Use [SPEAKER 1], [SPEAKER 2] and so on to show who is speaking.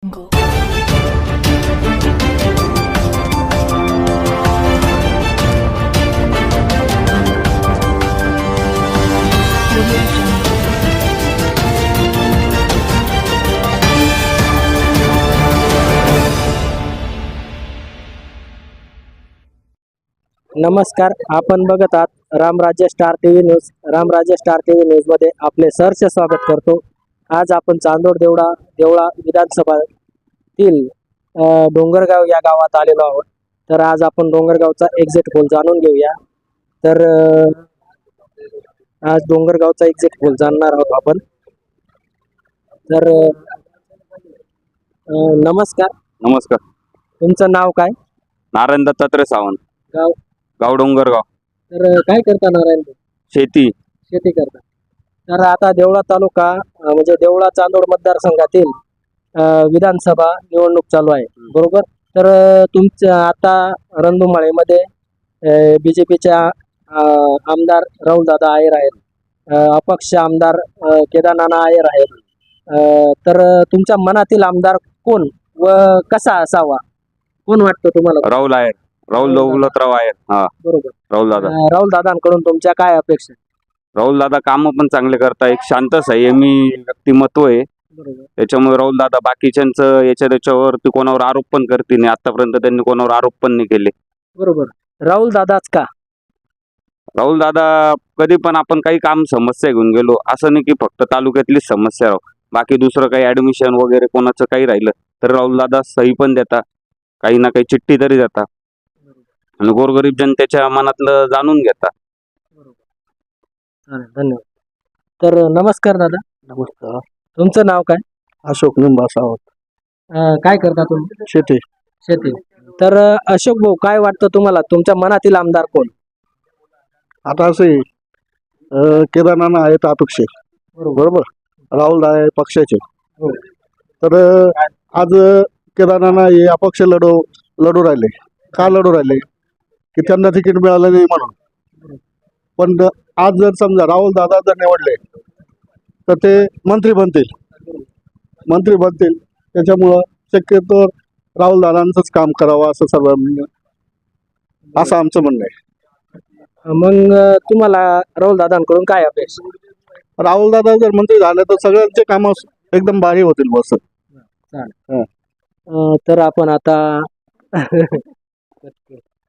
[SPEAKER 1] Jungle. Audio Jungle.
[SPEAKER 2] नमस्कार, आपण बघत आहात Ramrajya star TV news. Ramrajya star TV news मध्ये आपले सहर्ष स्वागत करतो. आज आपण चांदोड देवळा विधानसभातील डोंगरगाव या गावात आलेलो आहोत. तर आज आपण डोंगरगावचा एक्झिट पोल जाणून घेऊया. तर आज डोंगरगावचा एक्झिट पोल जाणणार आहोत आपण. तर नमस्कार,
[SPEAKER 3] नमस्कार.
[SPEAKER 2] तुमचं नाव काय?
[SPEAKER 3] नारायण दत्तात्रय सावंत,
[SPEAKER 2] गाव?
[SPEAKER 3] गाव डोंगरगाव.
[SPEAKER 2] तर काय करता नारायण?
[SPEAKER 3] शेती.
[SPEAKER 2] शेती करता. तर आता देवळा तालुका म्हणजे देवळा चांदोड मतदारसंघातील विधानसभा निवडणूक चालू आहे, बरोबर? तर तुमच्या आता रणधुमाळीमध्ये बीजेपीच्या आमदार राहुलदादा आयर आहेत, अपक्ष आमदार केदारनाना आयर आहेत. तर तुमच्या मनातील आमदार कोण व कसा असावा, कोण वाटतं तुम्हाला?
[SPEAKER 3] राहुल आयर, राहुल दौलतराव आयर. हा,
[SPEAKER 2] बरोबर.
[SPEAKER 3] राहुल दादा.
[SPEAKER 2] राहुल दादांकडून तुमच्या काय अपेक्षा?
[SPEAKER 3] राहुल दादा काम पण चांगले करता, एक शांत संयमी व्यक्तिमत्व आहे.
[SPEAKER 2] बरोबर.
[SPEAKER 3] त्याच्यामुळे राहुल दादा बाकीच्यांचं याच्यावरती कोणावर आरोप पण करते नाही. आतापर्यंत त्यांनी कोणावर आरोप पण नाही केले.
[SPEAKER 2] बरोबर. राहुल दादाच का?
[SPEAKER 3] राहुल दादा कधी पण आपण काही काम समस्या घेऊन गेलो, असं नाही की फक्त तालुक्यातलीच समस्या राहू, बाकी दुसरं काही ऍडमिशन वगैरे कोणाचं काही राहिलं तर राहुल दादा सही पण देता, काही ना काही चिठ्ठी तरी देता आणि गोरगरीब जनतेच्या मनातलं जाणून घेता.
[SPEAKER 2] चालेल, धन्यवाद. तर नमस्कार दादा.
[SPEAKER 4] नमस्कार.
[SPEAKER 2] तुमचं नाव काय?
[SPEAKER 4] अशोक निंबा सावंत.
[SPEAKER 2] काय करता तुम्ही?
[SPEAKER 4] शेती.
[SPEAKER 2] शेती. तर अशोक भाऊ, काय वाटतं तुम्हाला, तुमच्या मनातील आमदार कोण?
[SPEAKER 4] आता असे केदारनाना आहेत अपक्ष, बरोबर. राहुल आहे पक्षाचे.
[SPEAKER 2] हो.
[SPEAKER 4] तर आज केदारनाना हे अपक्ष लढू राहिले. का लढू राहिले? की त्यांना तिकीट मिळालं नाही म्हणून. पण आज जर समजा राहुल दादा जर निवडले तर ते मंत्री बनतील. त्याच्यामुळं शक्यतो राहुल दादांचंच काम करावं असं असं आमचं म्हणणं आहे.
[SPEAKER 2] मग तुम्हाला राहुल दादांकडून काय अपेक्षा?
[SPEAKER 4] राहुल दादा जर मंत्री झाले तर सगळ्यांचे कामं एकदम भारी होतील बस.
[SPEAKER 2] तर आपण आता